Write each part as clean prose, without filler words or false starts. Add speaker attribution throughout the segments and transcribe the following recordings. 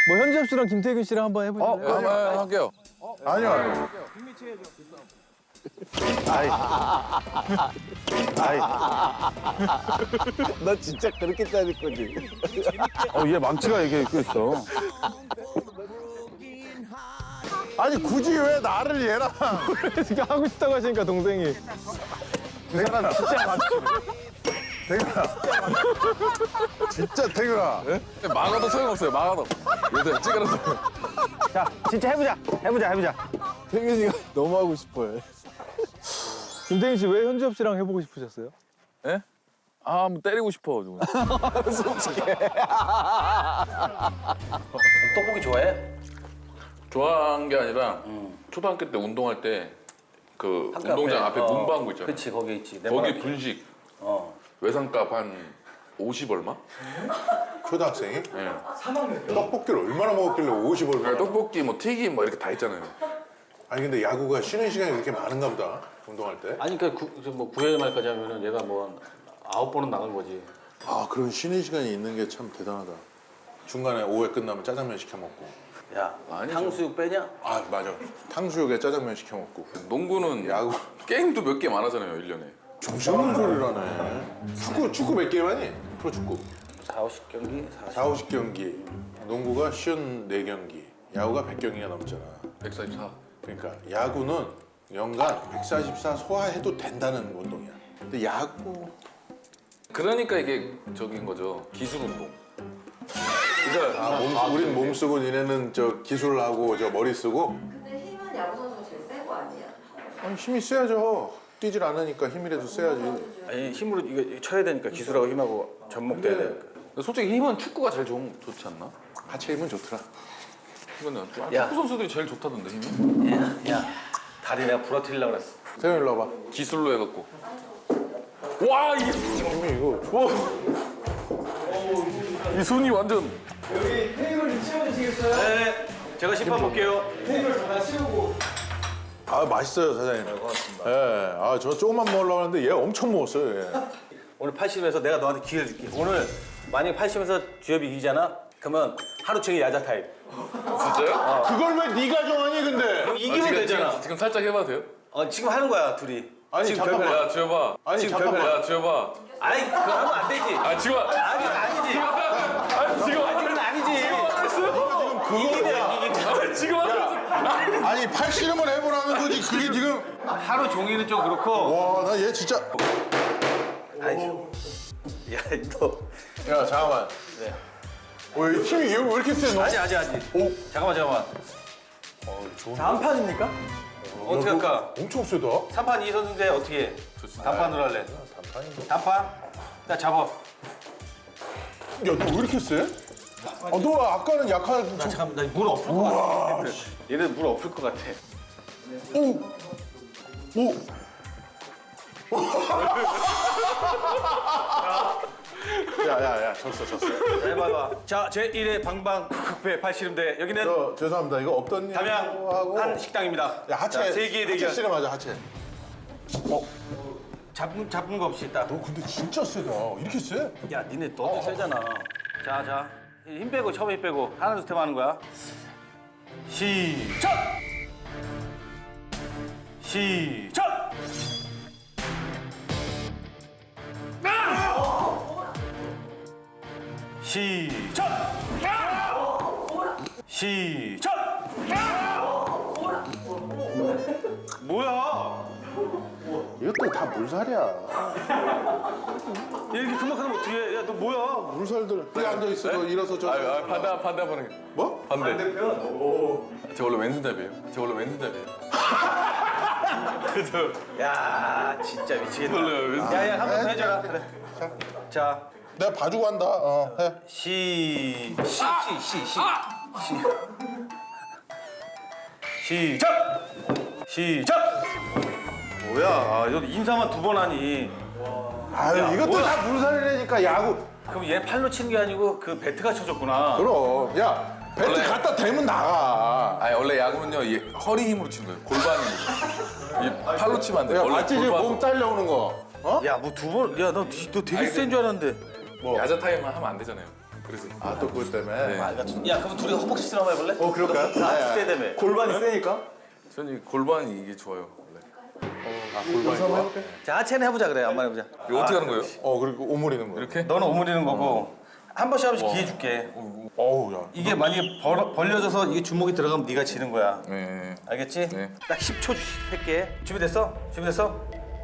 Speaker 1: 뭐 현지엽 씨랑 김태균 씨랑 한번 해보실래요?
Speaker 2: 네, 한번 할게요.
Speaker 3: 아니요.
Speaker 4: 너 진짜 그렇게 따질 거지?
Speaker 3: 얘 망치가 이게 있어. 아니 굳이 왜 나를 얘랑
Speaker 1: 지금 하고 싶다고 하시니까 동생이.
Speaker 3: 그 사람 진짜 맞지. 태균아. 진짜 태균아.
Speaker 2: 막아도 소용없어요. 막아도. 요새 찌그러서.
Speaker 4: 자, 진짜 해보자. 해보자.
Speaker 1: 태균이가 너무 하고 싶어요. 김태균 씨 왜 현지엽 씨랑 해보고 싶으셨어요?
Speaker 2: 예? 아, 뭐 때리고 싶어가지고.
Speaker 5: 떡볶이 좋아해?
Speaker 2: 좋아한 게 아니라 초등학교 때 운동할 때 그 운동장 앞에 문방구 있잖아.
Speaker 5: 그치, 거기 있지. 내
Speaker 2: 거기
Speaker 5: 말
Speaker 2: 분식
Speaker 5: 어.
Speaker 2: 외상값 한 50 얼마?
Speaker 3: 초등학생이?
Speaker 2: 예.
Speaker 3: 떡볶이를 얼마나 먹었길래 50을
Speaker 2: 그러니까 떡볶이 뭐 튀김 뭐 이렇게 다 있잖아요.
Speaker 3: 아니 근데 야구가 쉬는 시간이 그렇게 많은가 보다 운동할 때.
Speaker 5: 아니, 그러니까 뭐 9회 말까지 하면은 얘가 뭐 9번은 나간 거지.
Speaker 3: 아 그런 쉬는 시간이 있는 게 참 대단하다. 중간에 오후에 끝나면 짜장면 시켜 먹고.
Speaker 5: 야,
Speaker 2: 아니죠.
Speaker 5: 탕수육 빼냐?
Speaker 3: 아 맞아. 탕수육에 짜장면 시켜 먹고.
Speaker 2: 농구는
Speaker 3: 야구.
Speaker 2: 게임도 몇 개 많아잖아요, 1년에.
Speaker 3: 정신없는 소리를 하네. 축구 몇 게임 하니? 프로축구.
Speaker 5: 4, 50경기?
Speaker 3: 4, 50경기. 농구가 54경기. 야구가 100경기가 넘잖아.
Speaker 2: 144.
Speaker 3: 그러니까 야구는 연간 144 소화해도 된다는 운동이야. 근데 야구
Speaker 2: 그러니까 이게 저긴 거죠. 기술 운동. 그러니까
Speaker 3: 우린 몸 쓰고 니네는 저 기술을 하고 저 머리 쓰고.
Speaker 6: 근데 힘은 야구 선수가 제일 센 거 아니야?
Speaker 3: 아니 힘이 세야죠. 뛰질 않으니까 힘이라도 세야지.
Speaker 5: 아니, 힘으로 이거 쳐야 되니까 기술하고 힘하고 접목돼야 되니까.
Speaker 2: 근데 솔직히 힘은 축구가 제일 좋지 않나?
Speaker 3: 하체 힘은 좋더라.
Speaker 2: 이거는
Speaker 5: 야.
Speaker 2: 축구 선수들이 제일 좋다던데 힘이?
Speaker 5: 야, 다리 내가 부러뜨리려고 그랬어.
Speaker 3: 세영 일로 와봐.
Speaker 2: 기술로 해갖고. 와 이게
Speaker 3: 힘이 이거.
Speaker 2: 이 손이 완전.
Speaker 5: 네, 제가 심판 볼게요.
Speaker 3: 아 맛있어요 사장님. 네, 고맙습니다. 예. 아저 조금만 먹으려고 하는데 얘 엄청 먹었어요. 얘.
Speaker 5: 오늘 80에서 내가 너한테 기회를 줄게. 오늘 만약에 80에서 주엽이 이기잖아? 그러면 하루 종일 야자 타임.
Speaker 2: 진짜요?
Speaker 3: 그걸 왜 네가 정하니 근데?
Speaker 5: 이기면 되잖아.
Speaker 2: 지금 살짝 해봐도 돼요?
Speaker 5: 지금 하는 거야, 둘이.
Speaker 3: 아니
Speaker 5: 지금
Speaker 3: 잠깐만.
Speaker 5: 결과야.
Speaker 2: 야 지어봐.
Speaker 3: 아니
Speaker 5: 지금
Speaker 3: 잠깐만.
Speaker 2: 야 지어봐.
Speaker 5: 아니, 그거 하면 안 되지.
Speaker 2: 아 지금.
Speaker 5: 아니지.
Speaker 2: 아니 지금.
Speaker 5: 그건 아니지.
Speaker 3: 그거야.
Speaker 2: 지금 하면.
Speaker 3: 아니 팔씨름을 해보라는 거지. 그게 지금.
Speaker 5: 하루 종일은 좀 그렇고.
Speaker 3: 와 나 얘 진짜.
Speaker 5: 아니, 야, 너.
Speaker 3: 야 잠깐만.
Speaker 5: 네.
Speaker 3: 힘이 왜 이렇게 세 너?
Speaker 5: 아직.
Speaker 3: 오.
Speaker 5: 잠깐만.
Speaker 1: 자, 한 판입니까?
Speaker 5: 어떻게 할까?
Speaker 3: 엄청 세다.
Speaker 5: 3판 2선수인데 어떻게 해? 단판으로 할래? 단판? 나 잡아.
Speaker 3: 야 너 왜 이렇게 세? 너 아까는 약한.
Speaker 5: 나 잠깐만, 나 물 엎을 것 같아. 얘네 물 엎을 것 같아.
Speaker 3: 오. 오. 야야야 졌어.
Speaker 5: 자, 해봐봐. 자, 제1회 방방극회 팔씨름대. 여기는
Speaker 3: 저 죄송합니다. 이거 없던 일
Speaker 5: 담양
Speaker 3: 하고.
Speaker 5: 한 식당입니다.
Speaker 3: 야 하체.
Speaker 5: 자, 세기의
Speaker 3: 하체
Speaker 5: 대결.
Speaker 3: 씨름하자 하체.
Speaker 5: 잡은 거 없이 있다.
Speaker 3: 너 근데 진짜 세다. 이렇게 세?
Speaker 5: 야, 니네 너도 세잖아. 자. 힘 빼고, 처음에 힘 빼고. 하나, 둘, 셋 하는 거야. 시작! 시작! 시작! 시작! 뭐야?
Speaker 3: 이것도 다 물살이야.
Speaker 5: 이렇게 금방하면 어떻게 해? 야, 너 뭐야?
Speaker 3: 물살들. 여기 앉아 있어. 너 일어서 저.
Speaker 2: 반대 한번 해.
Speaker 3: 뭐?
Speaker 2: 반대. 저 원래 왼손잡이에요.
Speaker 5: 야, 진짜 미치겠다.
Speaker 2: 원래 왼손.
Speaker 5: 야, 한 번 더 해줘라. 그래. 자,
Speaker 3: 내가 봐주고 한다. 해.
Speaker 5: 시작! 시작! 뭐야? 아, 너 인사만 2번 하니.
Speaker 3: 아유 이것도
Speaker 5: 뭐야?
Speaker 3: 다 물살이라니까 야구.
Speaker 5: 그럼 얘 팔로 치는 게 아니고 그 배트가 쳐줬구나.
Speaker 3: 그럼 야 배트
Speaker 2: 원래-
Speaker 3: 갖다 대면 나가.
Speaker 2: 아니 원래 야구는요 이 허리 힘으로 치는 거예요. 골반 힘으로. 이 팔로 치면 안 돼.
Speaker 3: 야
Speaker 2: 원래
Speaker 3: 맞지 지금
Speaker 2: 골반.
Speaker 3: 몸 딸려오는 거. 어?
Speaker 5: 야, 뭐 2번? 야, 너 되게
Speaker 2: 아니,
Speaker 5: 센 줄 알았는데.
Speaker 2: 야자 타임만 하면 안 되잖아요. 그래서
Speaker 3: 아 또 그것 때문에.
Speaker 5: 야 그럼 둘이 허벅지 쓰러 한번 해볼래?
Speaker 3: 그럴까요?
Speaker 5: 나 세대매.
Speaker 4: 골반이 세니까.
Speaker 2: 저는 이 골반이 이게 좋아요 원래.
Speaker 5: 자 하체는 해보자 그래. 한번 해보자.
Speaker 2: 이거 어떻게 하는 거예요?
Speaker 3: 그리고 오므리는 거.
Speaker 2: 이렇게?
Speaker 5: 너는 오므리는 거고 한 번씩 한 번씩 기회 줄게.
Speaker 3: 어우 야.
Speaker 5: 이게 만약에 벌려져서 이게 주먹이 들어가면 네가 지는 거야.
Speaker 2: 네.
Speaker 5: 알겠지?
Speaker 2: 네.
Speaker 5: 딱 10초 할게. 준비됐어? 준비됐어?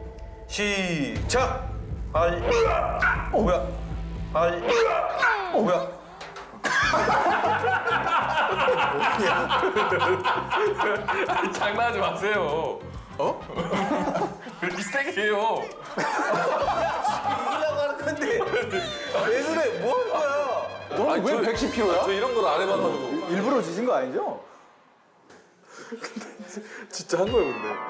Speaker 5: 시작! 뭐야? 뭐야?
Speaker 2: 장난하지 마세요. 어? 왜 이렇게 세게 해요?
Speaker 5: 이기려고 하는 건데 왜 그래? 뭐 하는 거야?
Speaker 1: 너는 왜 110kg야?
Speaker 2: 저 이런 걸 안 해봐가지고.
Speaker 1: 일부러 지신 거 아니죠?
Speaker 2: 진짜 한 거예요 근데.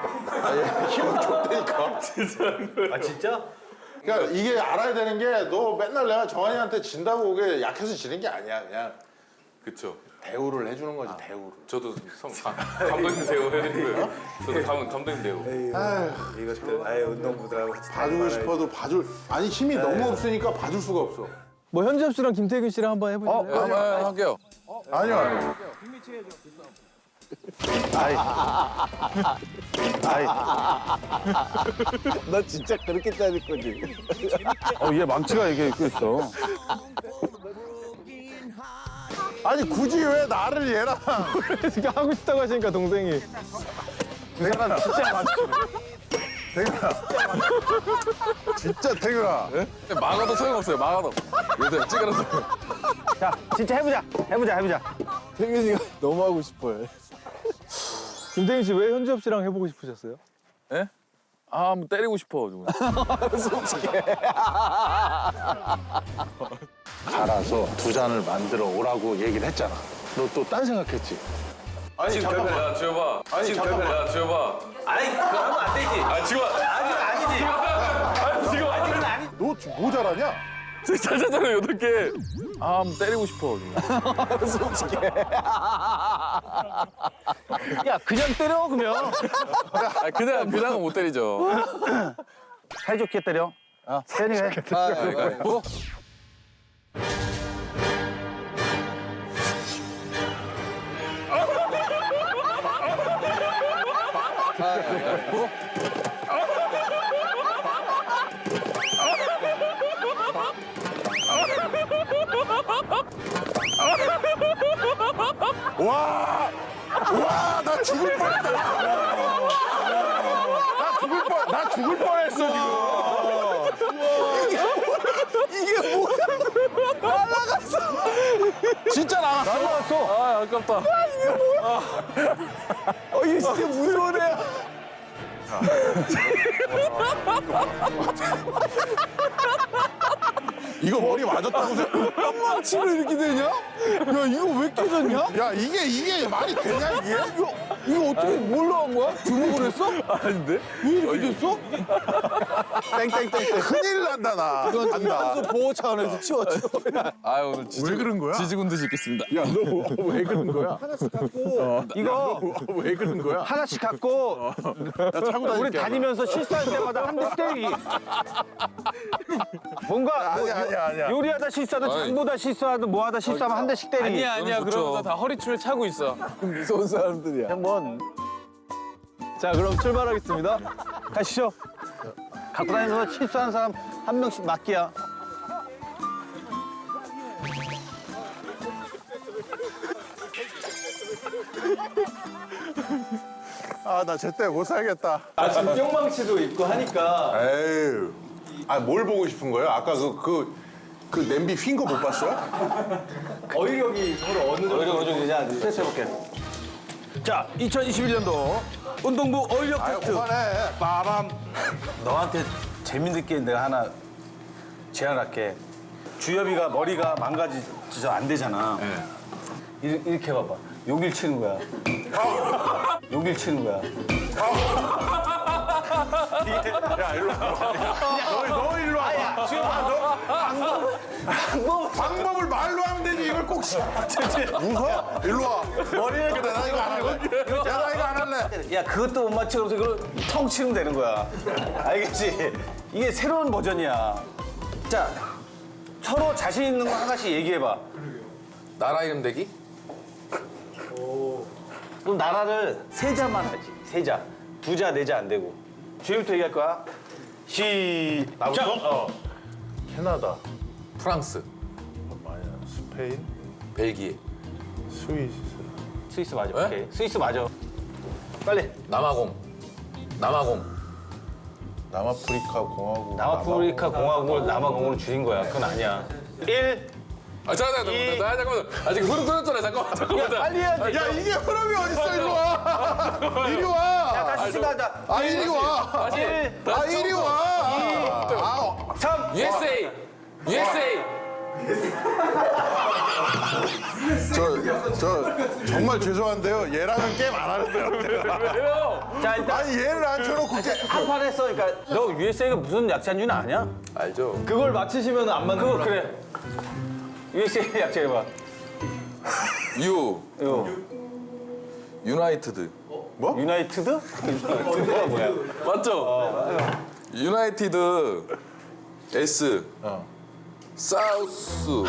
Speaker 5: 아 진짜?
Speaker 3: 그러니까 이게 알아야 되는 게 너 맨날 내가 정한이한테 진다고 그게 약해서 지는 게 아니야. 그냥
Speaker 2: 그쵸.
Speaker 3: 대우를 해주는 거지 대우를.
Speaker 2: 저도 감독님 대우 해드린 거예요. 저도 감독님 대우.
Speaker 5: 이것들 아예 운동부들하고 같이
Speaker 3: 봐주고 싶어도 봐줄 아니 힘이 너무 없으니까 봐줄 수가 없어.
Speaker 1: 뭐 현지엽 씨랑 김태균 씨랑 한번 해보실래요?
Speaker 2: 한번 할게요.
Speaker 3: 아니요.
Speaker 4: 너 진짜 그렇게 따질 거지.
Speaker 1: 얘 망치가 이게 있어.
Speaker 3: 아니 굳이 왜 나를 얘랑
Speaker 1: 지금 하고 싶다고 하시니까 동생이.
Speaker 4: 그 사람 진짜 많지.
Speaker 3: 진짜 태균아.
Speaker 2: 막아도 소용없어요. 막아도. 요새 찌그러서.
Speaker 4: 자, 진짜 해보자.
Speaker 1: 태균이가 너무 하고 싶어요. 김태균 씨 왜 현지엽 씨랑 해보고 싶으셨어요?
Speaker 2: 예? 아, 뭐 때리고 싶어가지고.
Speaker 3: 갈아서 두 잔을 만들어 오라고 얘기를 했잖아. 너 또 딴 생각했지? 아니
Speaker 2: 지금
Speaker 3: 잠깐만.
Speaker 2: 야, 지어봐.
Speaker 3: 아니 잠깐만.
Speaker 2: 야, 지어봐.
Speaker 5: 아니 그거 하면 안 되지.
Speaker 2: 아, 지금.
Speaker 5: 아니지.
Speaker 2: 지금.
Speaker 5: 그건 아니.
Speaker 3: 너 뭐 잘하냐?
Speaker 2: 잘 잤잖아요, 8개. 아, 뭐 때리고 싶어가지고.
Speaker 4: 야, 그냥 때려, 그러면.
Speaker 2: 아, 그냥은 못 때리죠.
Speaker 4: 사이좋게 때려. 세니가 해.
Speaker 2: 뭐?
Speaker 3: 와, 나 죽을 뻔했다. 나 죽을 뻔했어 지금. 이게 뭐야? 날아갔어. 진짜 날아갔어.
Speaker 2: 아, 아깝다.
Speaker 3: 이게 진짜 무서운 애야. 이거 머리 맞았다고 생각.
Speaker 1: 치로 이렇게 되냐? 야, 이거 왜 깨졌냐?
Speaker 3: 야 이게 말이 되냐 이게?
Speaker 1: 이거 어떻게 뭘로 한 거야? 주먹을 했어?
Speaker 2: 아닌데?
Speaker 1: 왜 이렇게 됐어?
Speaker 3: 땡땡땡. 큰일 난다 나. 간다.
Speaker 1: 보호 차원에서 치워.
Speaker 2: 아, 오늘
Speaker 3: 왜 그런 거야?
Speaker 2: 지지군 듯이 있겠습니다.
Speaker 3: 야 너 왜 그런 거야?
Speaker 4: 이거
Speaker 3: 왜 그런 거야?
Speaker 4: 하나씩 갖고
Speaker 3: 나 차고 다닐게.
Speaker 4: 우리 다니면서 실수할 때마다 한 대씩 때리기. 뭔가 뭐
Speaker 3: 아니야.
Speaker 4: 요리하다 실수하든
Speaker 2: 아니.
Speaker 4: 장보다 실수하든 뭐하다 실수하면 한 대씩 때리기.
Speaker 2: 아니야. 그러면서 다
Speaker 1: 허리춤을 차고 있어. 무서운 사람들이야.
Speaker 4: 한번
Speaker 1: 자, 그럼 출발하겠습니다.
Speaker 4: 가시죠. 갖고 다니면서 실수하는 사람 한 명씩 맡기야.
Speaker 3: 나 제때 못 살겠다.
Speaker 1: 아, 지금 뿅망치도 있고 하니까.
Speaker 3: 에휴. 뭘 보고 싶은 거예요? 아까 그 냄비 휜 거 못 봤어요?
Speaker 1: 어휘력이 서로 어느 정도.
Speaker 4: 어느 정도 되냐? 테스트 해볼게. 자, 2021년도 운동부 어휘력 테스트.
Speaker 3: 그만해.
Speaker 4: 빠밤. 너한테 재밌는 게 내가 하나 제안할게. 주엽이가 머리가 망가지져 안 되잖아. 이렇게 봐봐. 여길 치는 거야. 여길 치는 거야.
Speaker 3: 야 일로 와. 너 일로 와. 방법을 말로 하면 되지 이걸 꼭 웃어? 일로 와. 머리를 그래 나 이거 안 할래. 나 이거 안 할래.
Speaker 4: 야, 그것도 못 맞추면서 이걸 텅 치면 되는 거야. 알겠지? 이게 새로운 버전이야. 자,
Speaker 5: 서로 자신 있는 거 하나씩 얘기해봐.
Speaker 2: 나라 이름 대기?
Speaker 5: 그럼 나라를 세 자만 하지. 세 자. 두 자, 네 자 안 되고. 주희부터 얘기할 거야. 시작.
Speaker 3: 캐나다,
Speaker 2: 프랑스,
Speaker 3: 아니야, 스페인,
Speaker 2: 벨기에,
Speaker 3: 스위스,
Speaker 5: 스위스 맞아.
Speaker 2: 에?
Speaker 5: 오케이. 스위스 맞아. 빨리.
Speaker 2: 남아공,
Speaker 3: 남아프리카 공화국.
Speaker 5: 남아프리카 공화국을 남아공으로 줄인 거야. 그건 아니야. 1.
Speaker 2: 아 잠깐만. 아직 흐름 끊었잖아. 잠깐만.
Speaker 5: 빨리 해야지.
Speaker 3: 야 이게 흐름이 어딨어? 이리 와. 이리 와.
Speaker 5: 다시 시작하자.
Speaker 3: 아 이리 와.
Speaker 5: 1,
Speaker 3: 아 이리 와.
Speaker 5: 3.
Speaker 2: USA.
Speaker 3: 저 정말 죄송한데요. 얘랑은 게임 안 하는데요.
Speaker 2: 왜요?
Speaker 5: 자, 일단
Speaker 3: 아니 얘를 앉혀놓고
Speaker 5: 한판 했어. 그러니까 너 USA가 무슨 약자인지는 아냐?
Speaker 2: 알죠.
Speaker 1: 그걸 맞히시면 안 맞는
Speaker 5: 그거
Speaker 1: 거라.
Speaker 5: 그래. USA 약자 해봐.
Speaker 2: 유나이티드.
Speaker 5: 유나이티드? 유나이티드가 뭐야?
Speaker 2: 맞죠? 유나이티드 S 사우스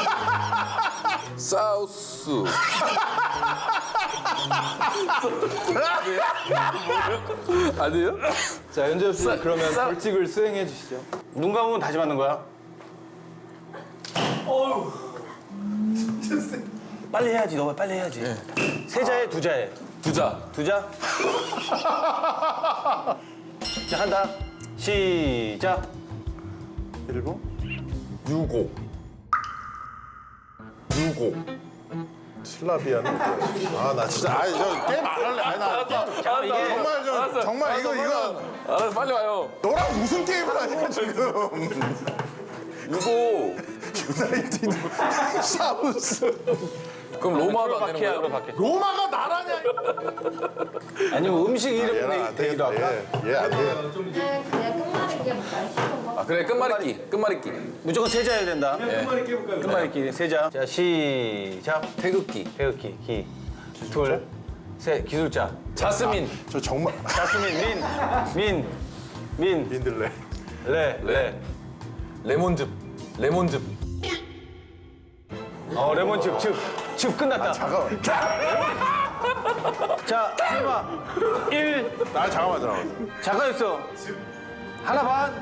Speaker 2: 아니에요?
Speaker 1: 자, 현재엽 씨 그러면 벌칙을 수행해 주시죠.
Speaker 5: 눈 감으면 다시 맞는 거야. 빨리 해야지. 너 빨리 해야지. 세 자에 두 자에.
Speaker 2: 두자
Speaker 5: 두 자. 자, 한다. 시작.
Speaker 3: 일본?
Speaker 2: 유고
Speaker 3: 슬라비아는 뭐야? 아나 진짜 아니 저 게임 안 할래. 아니 나 게임
Speaker 5: 자, 이게
Speaker 3: 정말 저 정말 이거
Speaker 2: 알았어 빨리 와요.
Speaker 3: 너랑 무슨 게임을 하냐 지금.
Speaker 2: 유고
Speaker 3: 유나이티드 사우스.
Speaker 2: 그럼 로마도 안 되는
Speaker 5: 바퀴야,
Speaker 2: 거예요?
Speaker 5: 바퀴.
Speaker 3: 로마가 나라냐?
Speaker 5: 아니면 음식
Speaker 3: 얘는
Speaker 5: 이름
Speaker 3: 안
Speaker 5: 얘기도
Speaker 3: 되겠다.
Speaker 5: 할까?
Speaker 3: 얘안 돼.
Speaker 6: 그냥 끝말잇기 말 쉬운 거.
Speaker 2: 아 그래 끝말잇기
Speaker 5: 무조건 세 자여야 된다. 끝말잇기 세 자. 자, 시작.
Speaker 2: 태극기
Speaker 5: 태극기, 기. 둘, 셋, 기술자.
Speaker 2: 자스민
Speaker 3: 저 정말
Speaker 5: 자스민, 민,
Speaker 3: 민들레.
Speaker 5: 레.
Speaker 2: 레몬즙
Speaker 5: 레몬즙, 즙 끝났다.
Speaker 3: 잠깐만.
Speaker 5: 자, 해봐. 1.
Speaker 3: 아 잠깐만.
Speaker 5: 잠깐 있어. 하나 반.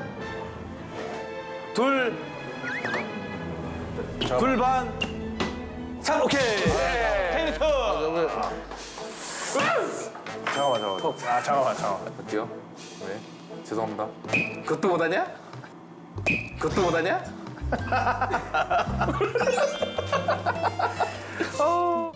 Speaker 5: 둘 반. 3. 오케이. 테니스.
Speaker 3: 잠깐만.
Speaker 2: 할게요. 네 죄송합니다. 그것도 못하냐?
Speaker 5: 어.